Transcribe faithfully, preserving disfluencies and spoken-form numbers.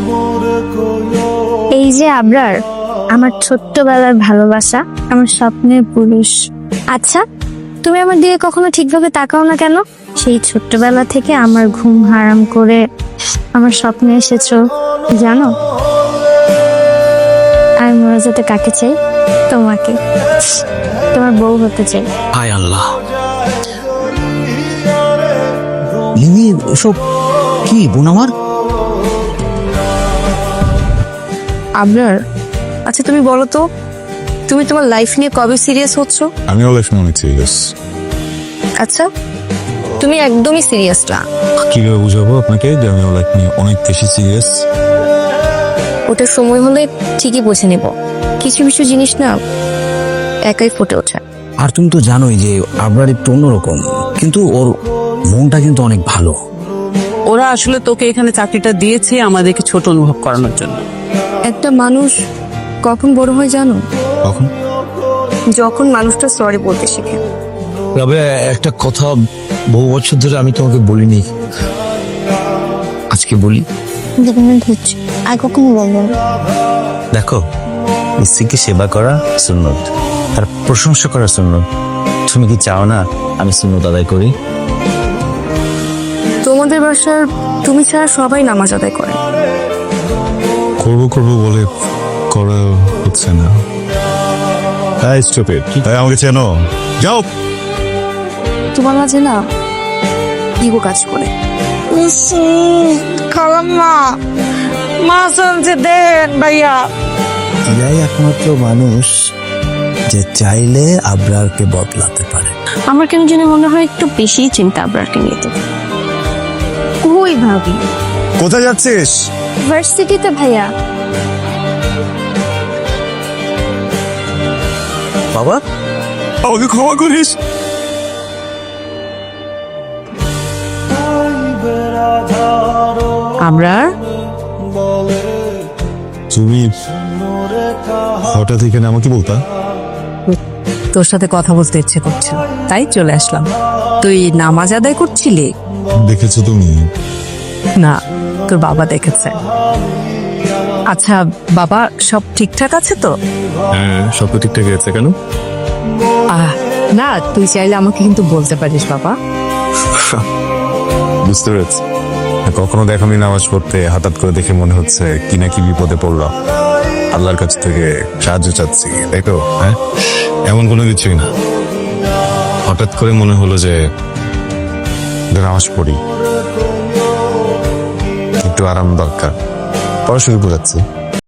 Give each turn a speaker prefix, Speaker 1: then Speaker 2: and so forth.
Speaker 1: এই যে আবরার, আমার ছোট্টবেলার ভালোবাসা, আমার স্বপ্নের পুরুষ। আচ্ছা, তুমি আমার দিকে কখনো ঠিকভাবে তাকাও না কেন? সেই ছোট্টবেলা থেকে আমার ঘুম হারাম করে আমার স্বপ্নে এসেছো, জানো? আমি মরে যেতে কাকে চাই? তোমাকে। তোমার বউ হতে চাই।
Speaker 2: হায় আল্লাহ, লিলি এসব কি বোন আমার?
Speaker 3: আবরার, আচ্ছা তুমি বলো তো, তুমি তোমার লাইফ নিয়ে কবে সিরিয়াস হচ্ছ?
Speaker 4: আমিও লাইফ নিয়ে অনেক সিরিয়াস।
Speaker 3: আচ্ছা, তুমি একদমই সিরিয়াস না।
Speaker 4: কিভাবে বুঝাবো আপনাকে যে আমিও লাইফ নিয়ে অনেক বেশি সিরিয়াস?
Speaker 3: ওটা সময় হলে ঠিকই বুঝে নেব। কিছু কিছু জিনিস না একাই ফুটে ওঠে।
Speaker 2: আর তুমি তো জানোই যে আবরার একটু অন্যরকম, কিন্তু ওর মনটা কিন্তু অনেক ভালো।
Speaker 5: ওরা আসলে তোকে এখানে চাকরিটা দিয়েছে আমাদেরকে ছোট অনুভব করানোর জন্য।
Speaker 3: একটা মানুষ কখন বড় হয় জানো?
Speaker 4: কখন?
Speaker 3: যখন মানুষটা সরি বলতে শিখে।
Speaker 6: তবে একটা কথা বহু বছর ধরে আমি তোমাকে বলিনি, আজকে বলি।
Speaker 1: আর কখনো বলবো না।
Speaker 7: দেখো, স্ত্রীকে সেবা করা সুন্নত আর প্রশংসা করা সুন্নত। তুমি কি চাও না আমি সুন্নত আদায় করি?
Speaker 3: তোমাদের বাসার তুমি ছাড়া সবাই নামাজ আদায় করে।
Speaker 4: করবো করবো বলে করা হচ্ছে না। হ্যাঁ স্টুপিড, তাই আমাকে চেনো? যাও।
Speaker 3: তোমার মাঝে না ইগো কাজ করে।
Speaker 8: খালাম্মা, মাছ আনছে দেন ভাইয়া।
Speaker 2: এরাই একমাত্র মানুষ যে চাইলে আবরারকে বদলাতে পারে।
Speaker 3: আমার কেন জানি মনে হয় একটু বেশি চিন্তা আবরারকে নিয়ে। তো
Speaker 1: কই ভাবি?
Speaker 4: কোথায় যাচ্ছিস?
Speaker 1: ভার্সিটিতে ভাইয়া।
Speaker 7: বাবা,
Speaker 4: আমাকে ক্ষমা করিস।
Speaker 5: আবরার,
Speaker 4: তুমি হঠাৎ এখানে আমাকে বলতা?
Speaker 5: তোর সাথে কথা বলতে ইচ্ছে করছে, তাই চলে আসলাম। তুই নামাজ আদায় করছিলি?
Speaker 4: দেখেছো তুমি?
Speaker 5: না, তোর বাবা দেখেছে। আচ্ছা বাবা, সব ঠিকঠাক আছে তো?
Speaker 4: হ্যাঁ, সব তো ঠিকঠাক আছে। কেন?
Speaker 5: আহ না, তুই চাইলে আমাকে কিন্তু বলতে পারিস বাবা।
Speaker 4: বুঝতে পেরেছি। কখনো দেখানি নামাজ পড়তে, হঠাৎ করে দেখে মনে হচ্ছে কি না কি বিপদে পড়লাম, আল্লাহর কাছ থেকে সাহায্য চাচ্ছি, তাই তো? হ্যাঁ, এমন কোনো কিছুই না। হঠাৎ করে মনে হলো যে নামাজ পড়ি, একটু আরাম দরকার, পড়া শুরু করেছি।